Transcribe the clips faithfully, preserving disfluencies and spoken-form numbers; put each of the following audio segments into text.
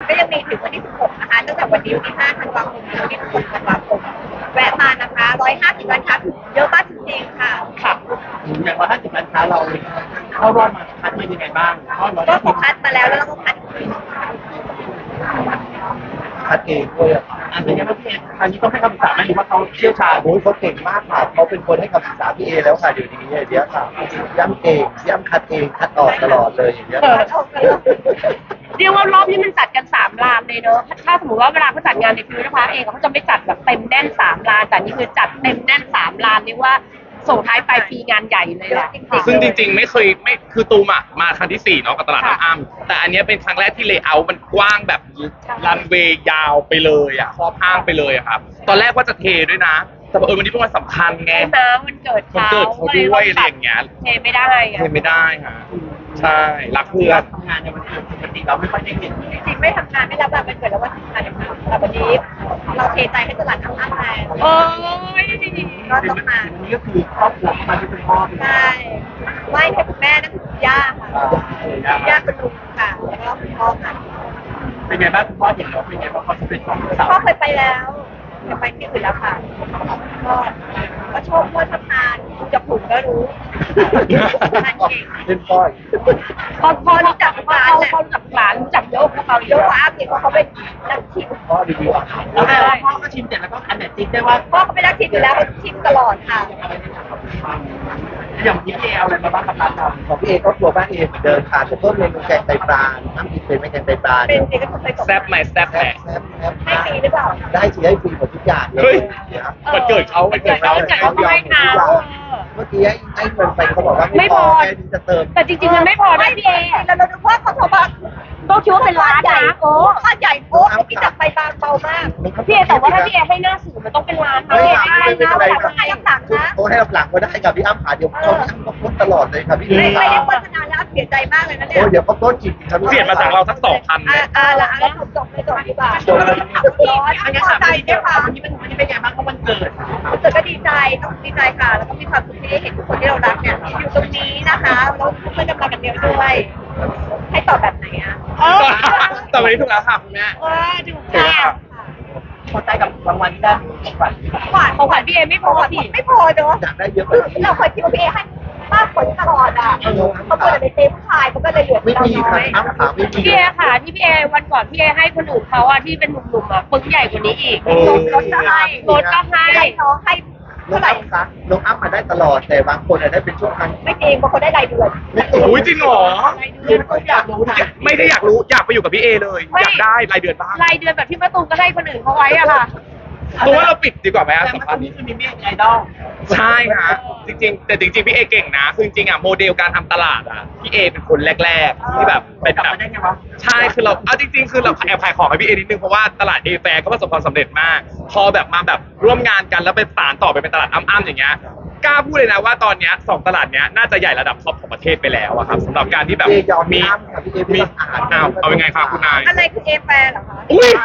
ก็ยังมีถึงวันที่สิบหกนะคะตั้งแต่วันนี้วันที่ห้าธันวาคมถึงวันที่สิบหกธันวาคมแวะมานะคะหนึ่งร้อยห้าสิบร้านค้าถึงเยอะมากจริงๆค่ะค่ะอย่างร้อยห้าสิบร้านค้าเราเข้ารอบมาคัดมายังไงบ้างก็ขอคัดมาแล้วแล้วเราก็คัดอีกคัดเองด้วยอ่ะอันนี้ว่าพี่เออันนี้ต้องให้คำปรึกษาไหมหรือว่าเขาเชี่ยวชาญโอ้ยเขาเก่งมากค่ะเขาเป็นคนให้คำปรึกษาพี่เอแล้วค่ะเดี๋ยวนี้เดี๋ยวค่ะย่ำเก่งย่ำคัดเองคัดออกตลอดเลยอย่างเงี้ยเรียกว่ารอบนี้มันจัดกันสามลานเลยเนอะถ้าสมมติว่าเวลาเขาจัดงานในฟิวนะคะเองเขาจะไม่จัดแบบเต็มแน่นสามลานแต่นี่คือจัดเต็มแน่นสามลานเรียกว่าส่งท้ายปลายปีงานใหญ่เลยแหละซึ่งจริงๆไม่เคยไม่คือตูมอ่ะมาครั้งที่สี่เนาะกับตลาดน้ำอ้ำแต่อันนี้เป็นครั้งแรกที่เลเยอร์มันกว้างแบบรันเวย์ยาวไปเลยอ่ะครอบห้างไปเลยอะครับตอนแรกว่าจะเทด้วยนะแต่เออวันนี้เป็นวันสำคัญไงน้ำมันเกิดมันเกิดเขาด้วยอะไรอย่างเงี้ยเทไม่ได้เทไม่ได้ค่ะใช่รักเพื่อนทำงานในวันเกิดปกติเราไม่ค่อยได้เห็นจริงๆไม่ทำงานไม่รับแบบเป็นเกิดแล้ววันทำงานอย่างนี้แต่วันนี้เราเทใจให้ตลาดน้ำอ้ำแล้วโอ้ยก็ต้องมาวันนี้ก็คือครอบครัวมาที่เป็นพ่อใช่ไหว้ให้คุณแม่นั่นคือย่าค่ะย่าคุณลุงค่ะแล้วก็คุณพ่อค่ะเป็นไงบ้างคุณพ่อเห็นแล้วเป็นไงบ้างความสำเร็จของสาวพ่อเคยไปแล้วเคยไปที่อื่นแล้วค่ะก็ก็ชอบพ่อทำงานจะผูกก็รู้ทานเก่งเป็นป้อยพอพอรู้จักร้านพอรู้จักร้านรู้จักโยกเขาโยกอาเพียงเพราะเขาเป็นนักชิมพ่อรีวิวอาหารแล้วพ่อก็ชิมเสร็จแล้วก็อันไหนติ๊กได้ว่าพ่อเขาเป็นนักชิมอยู่แล้วเขาชิมตลอดค่ะอย่างพี่เอเอาอะไรมาบ้างครับร้านเราของพี่เอก็ครัวบ้านเอเหมือนเดิมค่ะจะเพิ่มเมนูแกงไตปลาน้ำพริกเป็นไม่แกงไตปลาเป็นเด็กก็เคยแซ่บไหมแซ่บไหมให้ฟรีหรือเปล่าได้สิได้ฟรีหมดทุกอย่างเลยวันเกิดเขาวันเกิดเขาเขาไม่ทานเมื่อกี้ให้เงินไปเขาบอกว่าไม่พอแค่นี้จะเติมแต่จริงๆมันไม่พอนะพี่เอแล้วเราดูว่าเขาโทรมาต้องคิดว่าเป็นร้านนะโอ้ข้าใหญ่โอ้พี่จับไปบางเบามากพี่เอแต่ว่าถ้าพี่เอให้หน้าสื่อมันต้องเป็นร้านนะไม่ได้นะแต่ต้องให้รับหลังนะโอ้ให้รับหลังก็ได้กับพี่อ้ำขาเดี๋ยวเขาพี่อ้ำก็พูดตลอดเลยครับพี่ไม่ไม่ได้โฆษณาแล้วเสียใจมากเลยนะเนี่ยโอ้เดี๋ยวเขาโต้จิตครับเสียมาจากเราสักสองพันอ่าอ่าละแล้วจบจบไม่จบดีกว่าจบร้อนอันนี้ใจใช่ป่ะวันนี้เป็นวันนี้เป็นไงบ้างเพราะวันเกิดวันเกิดก็ดีใจต้องดีใจค่ะแล้วก็มีความสุขที่ได้เห็นทุกคนที่เรารักเนี่ยอยู่ตรงนี้นะคะแล้วเพื่อนกำลังกันเดียวด้วยให้ตอบแบบไหนอ่ะแต่วันนี้ถูกแล้วค่ะคุณแม่เออถูกค่ะพอใจกับรางวัลที่ได้ของขวัญขวัญของขวัญพี่เอไม่พอสิไม่พอเนอะอยากได้เยอะไปเราเคยคิดว่าพี่เอให้มากกว่าตลอดอ่ะเขาเปิดในเต็มผู้ชายเขาก็เลยเหลือไม่มีค่ะอ้ำขาไม่มีพี่เอค่ะที่พี่เอวันก่อนพี่เอให้คนอื่นเขาอะที่เป็นหนุ่มๆอะปึ้งใหญ่กว่านี้อีกรถก็ให้รถก็ให้น้องให้น้องอ้ำคะน้องอ้ำมาได้ตลอดแต่บางคนได้เป็นช่วงครั้งไม่จริงบางคนได้รายเดือนอุ้ยจริงเหรออยากรู้นะไม่ได้อยากรู้อยากไปอยู่กับพี่เอเลยอยากได้รายเดือนบ้างรายเดือนแบบที่แม่ตูมก็ให้คนอื่นเขาไว้อะค่ะตัวเราปิดดีกว่าไหมสัมภาษณ์นี้คือมีเมียไอดอลใช่ค่ะจริงๆแต่จริงๆพี่เอเก่งนะคือจริงๆอ่ะโมเดลการทำตลาดอ่ะพี่เอเป็นคนแรกๆที่แบบเป็นแบบใช่คือเราเอาจริงๆคือเราแอบขายของให้พี่เอนิดนึงเพราะว่าตลาดเอแฟร์ก็ประสบความสำเร็จมากพอแบบมาแบบร่วมงานกันแล้วไปสานต่อไปเป็นตลาดอ้ำๆอย่างเงี้ยกล้าพูดเลยนะว่าตอนนี้สองตลาดเนี้ยน่าจะใหญ่ระดับท็อปของประเทศไปแล้วอะครับสำหรับการที่แบบมีมีอ้าวเอายังไงครับคุณนายอะไรคือเอแฟร์เหรอคะอุ้ย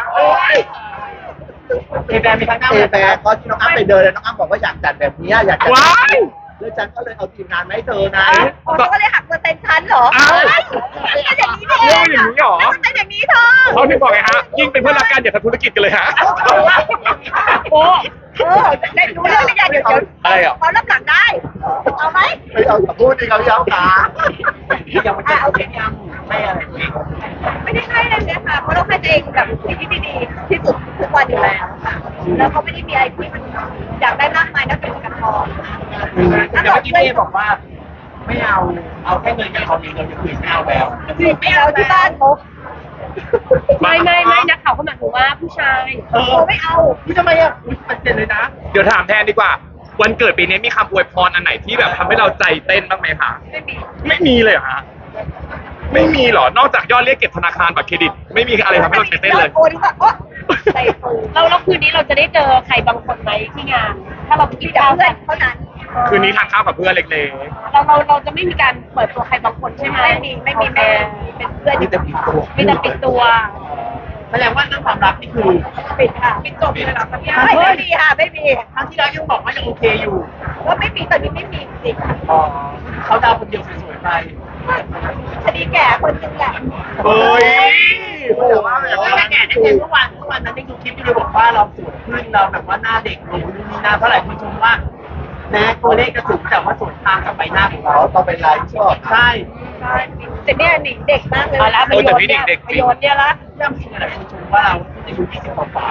เอแบร์มีทั้งหน้าเอแบร์ก็ที่น้องอ้ำไปเดินเลยน้องอ้ำบอกว่าอยากจัดแบบนี้อยากจัดเลยฉันก็เลยเอาทีมงานมาให้เธอนะเขาก็เลยหักเปอร์เซ็นต์ฉันเหรอไม่ใช่อย่างนี้เลยอย่างนี้หรอไม่ใช่อย่างนี้เธอเขาถึงบอกไงฮะยิ่งเป็นเพื่อนรักกันอย่าทำธุรกิจกันเลยฮะโอ้เออได้รู้เรื่องไม่ได้เดี๋ยวเดี๋ยวอะไรอ่ะเขารับหลังได้เอาไหมไม่เอาอย่าพูดดิเขาอย่าเอาขายังไม่เอาไม่ยังไม่อะไรไม่ได้ให้เลยเนี่ยค่ะเพราะเราให้ตัวเองแบบสิ่งที่ดีที่สุดทุกวันอยู่แล้วค่ะแล้วเขาไม่ได้มีอะไรที่มันอยากได้มากมายนักเป็นกันทองแต่เมื่อกี้พี่บอกว่าไม่เอาเอาแค่เงินกับเขาเงินเราจะคืนไม่เอาแล้วคืนไม่เอาที่บ้านเขาไม่ไม่ไม่นักข่าวเขาหมายถึงว่าผู้ชายเออไม่เอาพี่ทำไมอ่ะมันเจ็บเลยนะเดี๋ยวถามแทนดีกว่าวันเกิดปีนี้มีคำอวยพรอันไหนที่แบบทำให้เราใจเต้นบ้างไหมคะไม่มีไม่มีเลยเหรอฮะไม่มีหรอนอกจากยอดเรียกเก็บธนาคารบัตรเครดิตไม่มีอะไรทำให้เราใจเต้นเลยโอ้ดีกว่าโอ้เราแล้วคืนนี้เราจะได้เจอใครบางคนไหมที่งานถ้าเราไปกินข้าวกันเท่านั้นคืนนี้ทานข้าวกับเพื่อนเล็กๆเราเราเราจะไม่มีการเปิดตัวใครบางคนใช่ไหมไม่มีไม่มีแม่เป็นเพื่อนมีแต่ปิดตัวมีแต่ปิดตัวแสดงว่าเรื่องความรักนี่คือปิดค่ะปิดจบเลยหรอพี่ไม่ไม่มีค่ะไม่มีครั้งที่แล้วยังบอกว่ายังโอเคอยู่ว่าไม่มีตอนนี้ไม่มีจริงอ๋อเขาดาวคนเดียวสวยๆไปคดีแก่คนนึงแหละเฮ้ยแม่อ้เจมส์เมื่อวานเมื่อวานนั้นได้ดูคลิปที่เราบอกว่าเราสวยขึ้นเราแบบว่าหน้าเด็กลงนู่นนี่นั่นเท่าไหร่คุณชมว่าแม้ตัวเลขจะสูงแต่ว่าสวนทางกับใบหน้าของเขาเราต้องเป็นไลฟ์ชอบใช่ใช่แต่เนี่ยหนิงเด็กมากเลยเอาละประโอ้ยโยแต่ชน์พี่เนี่เด็ยกๆประโยชน์เนี่ยละย่ำจริงอะไรคุณชมว่าเราอายุยี่สิบกว่า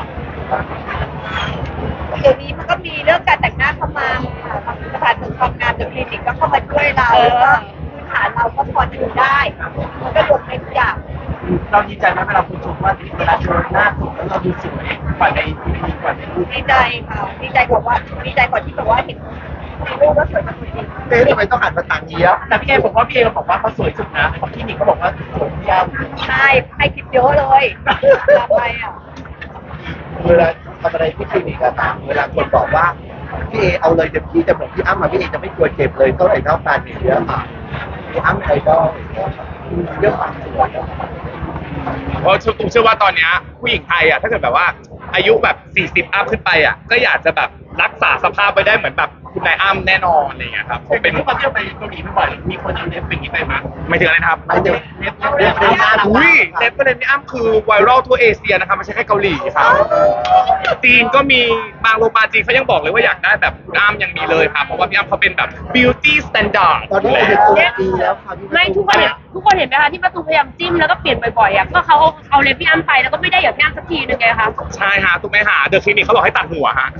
เดี๋ยวนี้มันก็มีเรื่องการแต่งหน้าเข้ามาค่ะสถานเสริมความงามเดี๋ยวคลินิกก็เข้ามาช่วยเราแล้วก็พื้นฐานเราก็พอดูได้ มันก็รวมในทุกอย่างเราดีใจไหมเวลาคุณชมว่าเวลาเจอหน้าสวยแล้วเราดูสวยกว่าในทีวีกว่าในรูปดีใจค่ะดีใจกว่าว่าดีใจกว่าที่แบบว่าเห็นในรูปว่าสวยกว่าตัวจริงเอ๊ะทำไมต้องหันมาทางนี้อ่ะแต่พี่เอบอกว่าพี่เอบอกว่าเขาสวยสุดนะของคลินิกเขาบอกว่าสวยที่ย่ำใช่ให้คิดเยอะเลยทำไมอ่ะเวลาทำอะไรที่คลินิกอะตามเวลาคนบอกว่าพี่เอเอาเลยเต็มที่แต่เหมือนพี่อ้ำมาพี่เอจะไม่กลัวเจ็บเลยเท่าไหร่เท่ากันอย่างเงี้ยค่ะพี่อ้ำไอดอลอย่างเงี้ยค่ะเรื่องความสวยอะเพราะตูมเชื่อว่าตอนเนี้ยผู้หญิงไทยอ่ะถ้าเกิดแบบว่าอายุแบบสี่สิบอัพขึ้นไปอ่ะก็อยากจะแบบรักษาสภาพไว้ได้เหมือนแบบคุณนายอ้ำแน่นอนอะไรอย่างเงี้ยครับเป็เป็น นทุกคนที่เราไปเกาหลีบ่อยๆมีคนเอาเล็บเป็นอย่างนี้ไปมั้ยไม่ถึงอะไรนะครับไม่เดี๋ยวเล็บเล็บเล็บหน้าเราอุ้ยเล็บประเด็นพี่อ้ำคือไวรัลทั่วเอเชียนะครับไม่ใช่แค่เกาหลีครับจีนก็มีบางโรงพยาบาลจีนเขายังบอกเลยว่าอยากได้แบบคุณอ้ำยังมีเลยครับเพราะว่าพี่อ้ำเขาเป็นแบบ beauty standard ตอนนี้อายุตัวปีแล้วค่ะพี่ไม่ทุกคนเห็นทุกคนเห็นไหมคะที่ประตูพยายามจิ้มแล้วก็เปลี่ยนบ่อยๆอ่ะก็เขาเอาเอาเล็บพี่อ้ำไปแล้วก็ไม่ได้อย่างพี่อ้ำสักทีนึงไงคะใช่ฮะถูกไหมฮะเดอะคลินิกเขาบอกให้ตัดหัวฮะ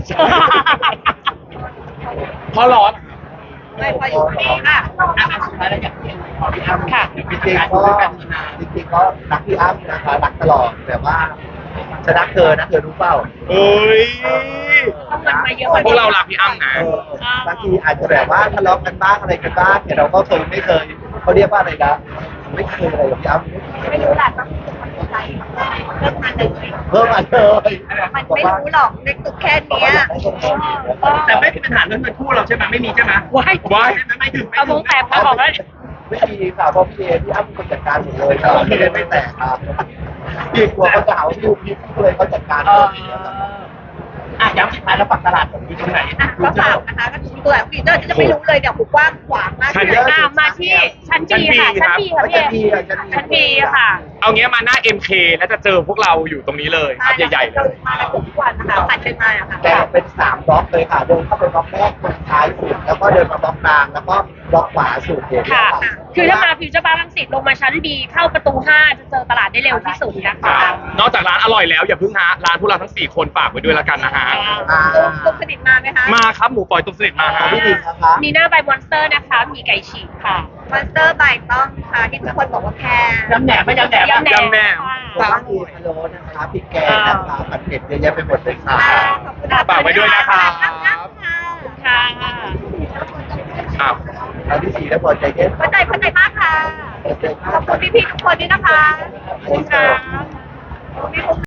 เพราะร้อนไม่พออยู่ดีค่ะอ่ะสุดท้ายแล้วอยากเห็นขอพี่อ้ำค่ะเดี๋ยวจเป็นริงการๆดูก็ด้วยกันนานจริงๆก็รักพี่อ้ำนะคะรักตลอดแต่ว่าฉันรักเธอนะเธอรู้เปล่าเอ้ยต้องเงินมาเยอะกว่าพวนี้กเรารักพี่อ้ำนะเออบางทีอาจจะแบบว่าทะเลาะกันบ้างอะไรกันบ้างแต่เราก็เคยไม่เคยเขาเรียกว่าอะไรนะไม่เคยอะไรกับพี่อ้ำไม่รู้แหละต้องเป็นใจเริ่มมาเลยเพิ่มมาเลยมันไม่รู้หรอกในตึกแค่เนี้ยแต่ไม่มีปัญหาเรื่องเงินคู่เราใช่ไหมไม่มีใช่ไหมว้ายว้ายใช่ไหมไม่ถึงไม่เอาถึวงงแตกมาบอกแล้วไม่มีค่ะเพราะพี่เอพี่อ้ำเป็นคนจัดการหมดเลยครับพี่เอไม่แตกครับพี่กลัวเขาจะหาว่าพี่ลูกพี่เลยเขาจัดการเอหมอดเลยครับอ่ะย้ำสุดท้ายแล้วฝั่งตลาดผมอยู่ตรงไหนอ่ะก็ฝากนะคะก็ตัวฟีเจอร์ที่จะไม่รู้เลยเดี๋ยวผมกว้างขวางมากชั้นเลยอ่ามาที่ชั้นบีค่ะชั้นบีค่ะพี่เอชั้นบีค่ะเอางี้มาหน้า เอ็ม เค แล้วจะเจอพวกเราอยู่ตรงนี้เลยครับใหญ่ๆเลเรายมากันทุกวันนะคะผ่านเชิญมาอะค่ะแต่เป็นสามบล็อกเลยค่ะ เดินเข้าไปบล็อกแรกตรงท้ายสุดแล้วก็เดินมาบล็อกกลางแล้วก็บล็อกขวาสุดเห็นไหมค่ะคะคือถ้ามาฟิวเจอร์บาร์ลังสิตลงมาชั้นบีเข้าประตูห้าจะเจอตลาดได้เร็วที่สุดนะคะนอกจากร้านอร่อยแล้วอย่าเพิ่งฮะร้านพวกเราทั้งสี่คนฝากไว้ด้วยละกันนะฮะอ่าตุกสนิทมาไหมคะมาครับหมูปล่อยตุ้มสนิทมาขอฮะงพี่หนิงนะคะมีหน้าใบมอนสเตอร์นะคะ มีไก่ฉีกค่ะมอนสเตอร์บายต้องค่ะที่ทุกคนบอกว่าแพงย้ำแหนมไม่ย้ำแหนมย้ำแหนยำแหนมร้านมีพะโล้นะคะพริกแกงนะคะผัดเผ็ดเยอะแยะไปหมดเลยค่ะค่ะขอบคุณค่ะฝากไว้ด้วยนะครับค่ะค่ะอ้าวร้านที่สี่แล้วพอใจเย็นเข้าใจเข้าใจมากค่ะ ขอบคุณพี่ๆทุกคนด้วยนะคะขอบคุณค่ะขอบคุณพี่